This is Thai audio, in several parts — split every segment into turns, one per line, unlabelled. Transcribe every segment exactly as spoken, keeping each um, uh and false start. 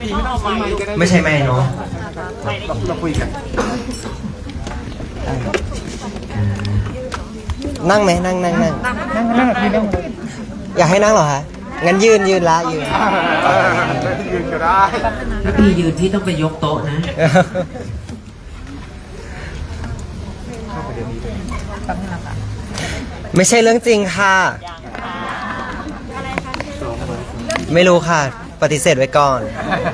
ไม่ใช่แม่เนาะ
เราคุยกัน
นั่งไหมนั่งนั่งนั่ง
นั่งนั่งพี่นั่ง
อยากให้นั่งเหรอฮะงั้นยืนยืนละยืน
ยืนก็ได้
ถ้าพี่ยืนพี่ต้องไปยกโต๊ะนะ
ไม่ใช่เรื่องจริงค่ะไม่รู้ค่ะปฏิเสธไว้ก่อน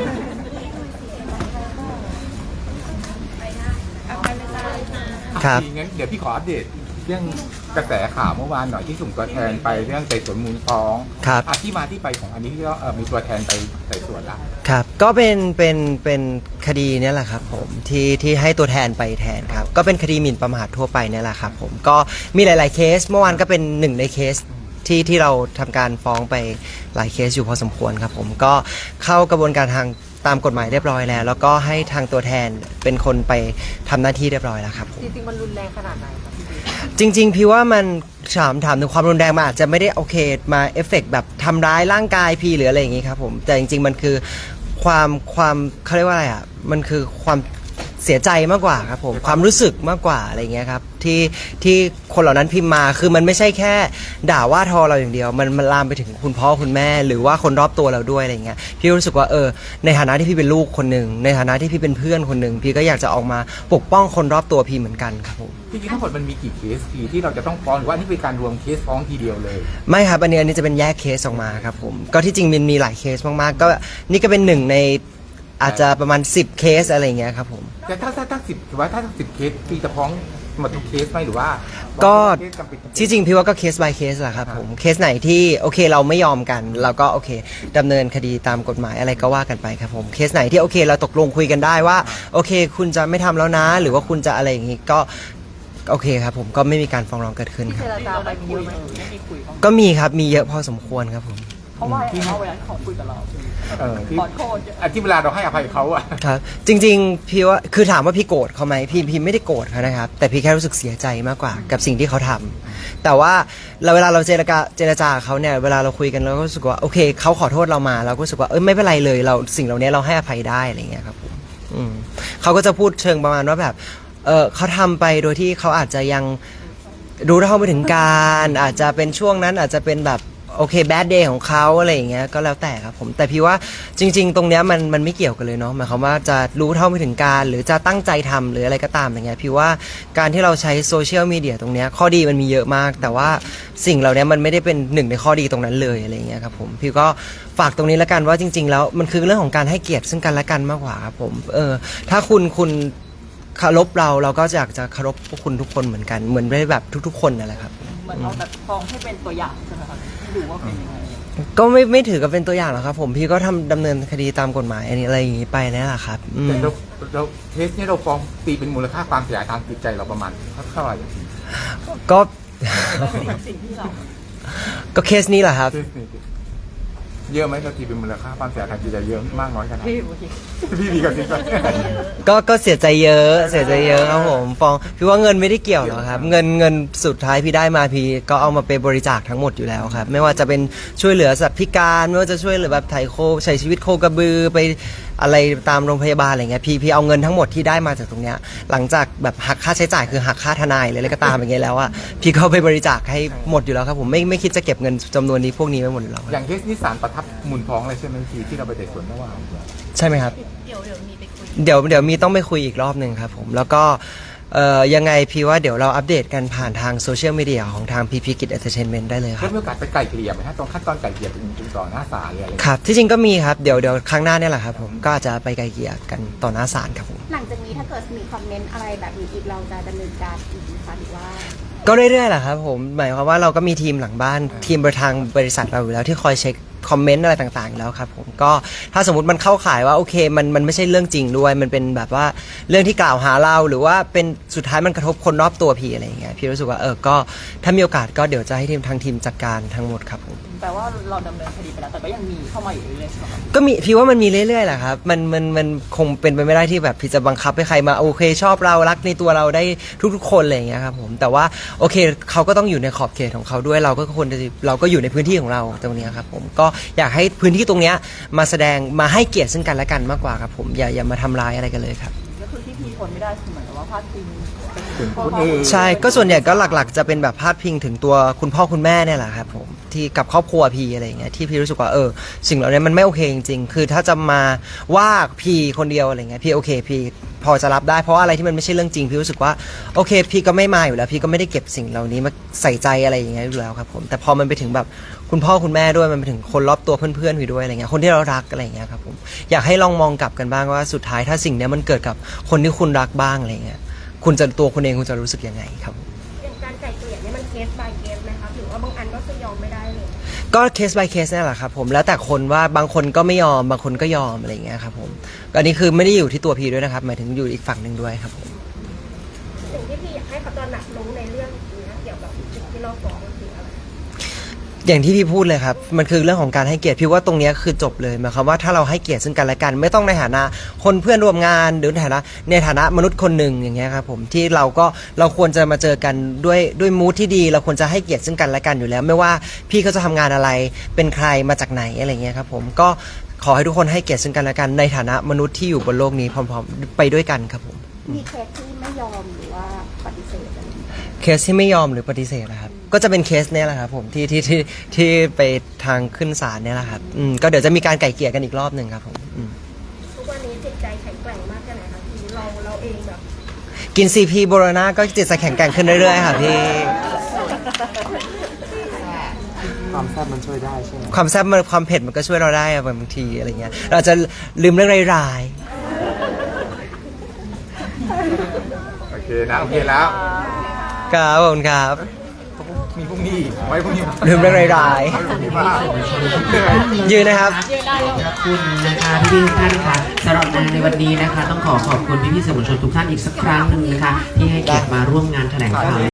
ครับ
งั้นเดี๋ยวพี่ขออัปเดตเรื่องกระแสข่าวเมื่อวานหน่อยที่ส่งตัวแทนไปเรื่องไต่สวนมูลฟ้อง
ครับ
ที่มาที่ไปของอันนี้ที่ก็มีตัวแทนไปไต่สวนละ
ครับก็เป็นเป็นเป็นคดีนี้แหละครับผมที่ที่ให้ตัวแทนไปแทนครับก็เป็นคดีหมิ่นประมาททั่วไปนี่แหละครับผมก็มีหลายๆเคสเมื่อวานก็เป็นหนึ่งในเคสที่ที่เราทำการฟ้องไปหลายเคสอยู่พอสมควรครับผมก็เข้ากระบวนการทางตามกฎหมายเรียบร้อยแล้วแล้วก็ให้ทางตัวแทนเป็นคนไปทำหน้าที่เรียบร้อยแล้วครับ
จริงๆมันรุนแรงขนาดไหนครับพี่
จริงๆพี่ว่ามันถามถามถึงความรุนแรงมันอาจจะไม่ได้โอเคมาเอฟเฟกต์แบบทำร้ายร่างกายพี่หรืออะไรอย่างงี้ครับผมแต่จริงๆมันคือความความเขาเรียกว่าอะไรอ่ะมันคือความเสียใจมากกว่าครับผมความรู้สึกมากกว่าอะไรเงี้ยครับที่ที่คนเหล่านั้นพิมพ์มาคือมันไม่ใช่แค่ด่าว่าทอเราอย่างเดียวมันมันลามไปถึงคุณพ่อคุณแม่หรือว่าคนรอบตัวเราด้วยอะไรเงี้ยพี่รู้สึกว่าเออในฐานะที่พี่เป็นลูกคนหนึ่งในฐานะที่พี่เป็นเพื่อนคนหนึ่งพี่ก็อยากจะออกมาปกป้องคนรอบตัวพี่เหมือนกันครับผม
จริงๆทั้งหมดมันมีกี่เคสพี่ที่เราจะต้องฟ้องหรือว่านี่เป็นการรวมเคสฟ้องทีเดียวเลย
ไม่ครับอันนี้อันนี้จะเป็นแยกเคสออกมาครับผมก็ที่จริงมันมีหลายเคสมากๆก็นี่ก็เป็นหนึ่งในอาจจะประมาณสิบเคสอะไรเงี้ยครับผม
แต่ถ้าถ้าถ้าสิบหรือว่าถ้าสิบเคสพี่จะฟ้องหมดทุกเคสไหมหรือว่า
ก็ที่จริงพี่ว่าก็เคส by เคสแหละครับผมเคสไหนที่โอเคเราไม่ยอมกันเราก็โอเคดำเนินคดีตามกฎหมายอะไรก็ว่ากันไปครับผมเคสไหนที่โอเคเราตกลงคุยกันได้ว่าโอเคคุณจะไม่ทำแล้วนะหรือว่าคุณจะอะไรอย่างงี้ก็โอเคครับผมก็ไม่มีการฟ้องร้องเกิดขึ้นครับก็มีครับมีเยอะพอสมควรครับผม
เพราะว่าเขาเวลาขอคุยกับเรา
เออที่ที่เวลาเราให้อภัยเขาอะ
ครับจริงๆพี่ว่าคือถามว่าพี่โกรธเขาไหมพี่พี่ไม่ได้โกรธเขานะครับแต่พี่แค่รู้สึกเสียใจมากกว่ากับสิ่งที่เขาทำแต่ว่าเราเวลาเราเจรจาเจรจาเขาเนี่ยเวลาเราคุยกันเราก็รู้สึกว่าโอเคเขาขอโทษเรามาเราก็รู้สึกว่าเออไม่เป็นไรเลยเราสิ่งเหล่านี้เราให้อภัยได้อะไรเงี้ยครับอืมเขาก็จะพูดเชิงประมาณว่าแบบเออเขาทำไปโดยที่เขาอาจจะยังรู้เท่าไม่ถึงการอาจจะเป็นช่วงนั้นอาจจะเป็นแบบโอเคแบดเดย์ของเขาอะไรอย่างเงี้ยก็แล้วแต่ครับผมแต่พี่ว่าจริงๆตรงเนี้ยมันมันไม่เกี่ยวกันเลยเนาะหมายความว่าจะรู้เท่าไม่ถึงการหรือจะตั้งใจทำหรืออะไรก็ตามอย่างเงี้ยพี่ว่าการที่เราใช้โซเชียลมีเดียตรงเนี้ยข้อดีมันมีเยอะมากแต่ว่าสิ่งเหล่านี้มันไม่ได้เป็นหนึ่งในข้อดีตรงนั้นเลยอะไรอย่างเงี้ยครับผมพี่ก็ฝากตรงนี้แล้วกันว่าจริงๆแล้วมันคือเรื่องของการให้เกียรติซึ่งกันและกันมากกว่าครับผมเออถ้าคุณคุณเคารพเราเราก็อยากจะเคารพพวกคุณทุกคนเหมือนกันเหมือนได้แบบทุกๆคนนั่นแหละครับ
เหมือนเอาแต่ฟ้องให้เป็นตัวอย่างใช่ไหมครับดูว่าเป็นยังไง
ก็ไม่ไม่ถือกับเป็นตัวอย่างหรอกครับผมพี่ก็ทำดำเนินคดีตามกฎหมายอันนี้อะไรอย่างนี้ไปนั่นแหละครับ
แต่เราเราเคสนี้เราฟ้องตีเป็นมูลค่าความเสียหายทางจิตใจเราประมาณเท่าไหร่
ก็ก็เคสนี้แหละครับ
เยอะไหมเราตีเป็นมูลค่าความเสียหายทางจิตใจเยอะมากน้อยขนาดพี่พี่ดีกับจริง
ก็ก็เสียใจเยอะเสียใจเยอะครับผมฟองพี่ว่าเงินไม่ได้เกี่ยวหรอกครับเงินเงินสุดท้ายพี่ได้มาพี่ก็เอามาเป็นบริจาคทั้งหมดอยู่แล้วครับไม่ว่าจะเป็นช่วยเหลือสัตว์พิการไม่ว่าจะช่วยเหลือแบบไถ่โคใช้ชีวิตโคกระบือไปอะไรตามโรงพยาบาลอะไรเงี้ยพี่พี่เอาเงินทั้งหมดที่ได้มาจากตรงเนี้ยหลังจากแบบหักค่าใช้จ่ายคือหักค่าทนายอะไรก็ตามอย่างเงี้ยแล้วอ่ะพี่ก็ไปบริจาคให้หมดอยู่แล้วครับผมไม่ไม่คิดจะเก็บเงินจำนวนนี้พวกนี้ไว้หมดอยู่แล้ว
อย่างเคสนี้ศาลประทับมูลฟ้องเลยใช่ไหมพี่ที่เราไปไต่สวนเมื่อวาน
ใช่ไหมครับเดี๋ยวเดี๋ยวมีไปคุยเดี๋ยวเดี๋ยวมีต้องไปคุยอีกรอบหนึ่งครับผมแล้วก็เอ่อยังไงพี่ว่าเดี๋ยวเราอัปเดตกันผ่านทางโซเชียลมีเดียของทางพีพีกิจเอนเตอร์เทนเมนต์ได้เลยครับ
มีโอกาสไปไกลเกลี่ยไหมฮะตรงขั้นตอนไกลเกลี่ยเป็นต่อหน้าศาลเลย
ครับที่จริงก็มีครับเดี๋ยวเดี๋ยวครั้งหน้าเนี่ยแหละครับผมก็อาจจะไปไกลเกลี่ยกันต่อหน้าศาลครับผม
หลังจากนี้ถ้าเกิดมีคอมเมนต์อะไรแบบนี้อีกเราจะดำเนินการอีกไหมคะหรือว่า
ก็เรื่อยๆแหละครับผมหมายความว่าเราก็มีทีมหลังบ้านทีมประทางบริษัทเราอยู่แล้วที่คอยเช็คคอมเมนต์อะไรต่างๆแล้วครับผมก็ถ้าสมมติมันเข้าข่ายว่าโอเคมันมันไม่ใช่เรื่องจริงด้วยมันเป็นแบบว่าเรื่องที่กล่าวหาเราหรือว่าเป็นสุดท้ายมันกระทบคนรอบตัวพี่อะไรอย่างเงี้ยพี่รู้สึกว่าเออก็ถ้ามีโอกาสก็เดี๋ยวจะให้ทีมทางทีมจัดการทั้งหมดครับผม
แปลว่าเราดำเนินคดีไปแล้วแต่ก็ยังมีเข้ามาอยู่เรื่อยๆใช่ไหมครับ
ก็มีพี่ว่ามันมีเรื่อยๆแหละครับมันมันมันคงเป็นไปไม่ได้ที่แบบพี่จะบังคับให้ใครมาโอเคชอบเรารักในตัวเราได้ทุกๆคนอะไรอย่างเงี้ยครับผมแต่ว่าโอเคเขาก็ต้องอยู่ในขอบเขตของเขาด้วยเราก็ควรจะเราก็อยู่ในพื้นที่ของเราตรงเนี้ยครับผมก็อยากให้พื้นที่ตรงเนี้ยมาแสดงมาให้เกียรติซึ่งกันและกันมากกว่าครับผมอย่าอย่ามาทำร้ายอะไรกันเลยครับ
ก็คือที่พีทนไม่ได้คือเหมือนกับว่าพาดพิง
ถึงคนอื่น
ใช่ก็ส่วนใหญ่ก็หลักๆ จะเป็นแบบพาดพิงถึงตัวคุณพ่อคุณแม่เนี่ยแหละครับผมที่กับครอบครัวพีอะไรอย่างเงี้ยที่พี่รู้สึกว่าเออสิ่งเหล่านี้มันไม่โอเคจริงๆคือถ้าจะมาว่าพีคนเดียวอะไรเงี้ยพี่โอเคพี่พอจะรับได้เพราะว่าอะไรที่มันไม่ใช่เรื่องจริงพี่รู้สึกว่าโอเคพี่ก็ไม่มาอยู่แล้วพี่ก็ไม่ได้เก็บสิ่งเหล่านี้มาใส่ใจอะไรอย่างเงี้ยอยู่แล้วครับผมแต่พอมันไปถึงแบบคุณพ่อคุณแม่ด้วยมันไปถึงคนรอบตัวเพื่อนๆพี่ด้วยอะไรเงี้ยคนที่เรารักอะไรอย่างเงี้ยครับผมอยากให้ลองมองกลับกันบ้างว่าสุดท้ายถ้าสิ่งเนี้ยมันเกิดกับคนที่คุณรักบ้างอะไรเงี้ยคุณจะตัวคุณเองคุณจะรู้สึกยังไงครับ
อย่างการไก่เกลี่ยเนี่ยมันเคส by เคสไหมคะหรือว่าบางอันก็คือยอมไม่ได้เลย
ก็เคส by เคสนี่แหละครับผมแล้วแต่คนว่าบางคนก็ไม่ยอมบางคนก็ยอมอะไรอย่างเงี้ยครับผมอันนี้คือไม่ได้อยู่ที่ตัวพีด้วยนะครับหมายถึงอยู่อีกฝั่งหนึ่งด้วยครับผม
สิ่งที่พี่อยากให้เขาตระหนักรู้ในเรื่องนี้เกี่ยวกับสิ่งที่เราฟ้องมันคืออะไร
อย่างที่พี่พูดเลยครับมันคือเรื่องของการให้เกียรติพี่ว่าตรงเนี้ยคือจบเลยหมายความว่าถ้าเราให้เกียรติซึ่งกันและกัน ไม่ต้องในฐานะคนเพื่อนร่วมงานหรือในฐานะในฐานะมนุษย์คนหนึ่งอย่างเงี้ยครับผมที่เราก็เราควรจะมาเจอกันด้วยด้วยมูทที่ดี เราควรจะให้เกียรติซึ่งกันและกันอยู่แล้ว ไม่ว่าพี่เขาจะทำงานอะไรเป็นใครมาจากไหนอะไรเงี้ยครับผมก็ขอให้ทุกคนให้เกียรติซึ่งกันและกันในฐานะมนุษย์ที่อยู่บนโลกนี้พร้อมๆไปด้วยกันครับผม
มีเคสที่ไม่ยอมหรือว่าปฏิเสธอะไรอย่างเงี้ย
เคสที่ไม่ยอมหรือปฏิเสธนะครับก็จะเป็นเคสเนี้ยแหละครับผมที่ที่ที่ที่ไปทางขึ้นศาลเนี่ยแหละครับอืมก็เดี๋ยวจะมีการไก่เกลี่ยกันอีกรอบหนึ่งครับผมอืม
ทุกวันนี้จิตใจแข็งแกร่งมากแค่ไหนคะที่เราเราเองแบบ
กินซีพีโบโรนาก็จิตจะแข็งแกร่งขึ้นเรื่อยๆค่ะพี่
ความแซ่บมันช่วยได้ใช่ไหม
ความแซ่บมันความเผ็ดมันก็ช่วยเราได้อะบางทีอะไรเงี้ยเราจะลืมเรื่องร้าย
โอเคนะโอเคแล้ว
ๆครับขอบคุณครับ
มีพรุ่งนี้อีกไว้พรุ่งนี้
ลืมเรื่องร้าย
ไว้พรุ่งนี้บ้าง
ๆยืนนะครับ
ขอบคุณนะคะพี่ๆทุกท่านค่ะสำหรับงานในวันนี้นะคะ ต้องขอขอบคุณพี่ๆสื่อมวลชนทุกท่านอีกสักครั้งหนึ่งนะคะที่ให้เกียรติมาร่วมงานแถลงข่าว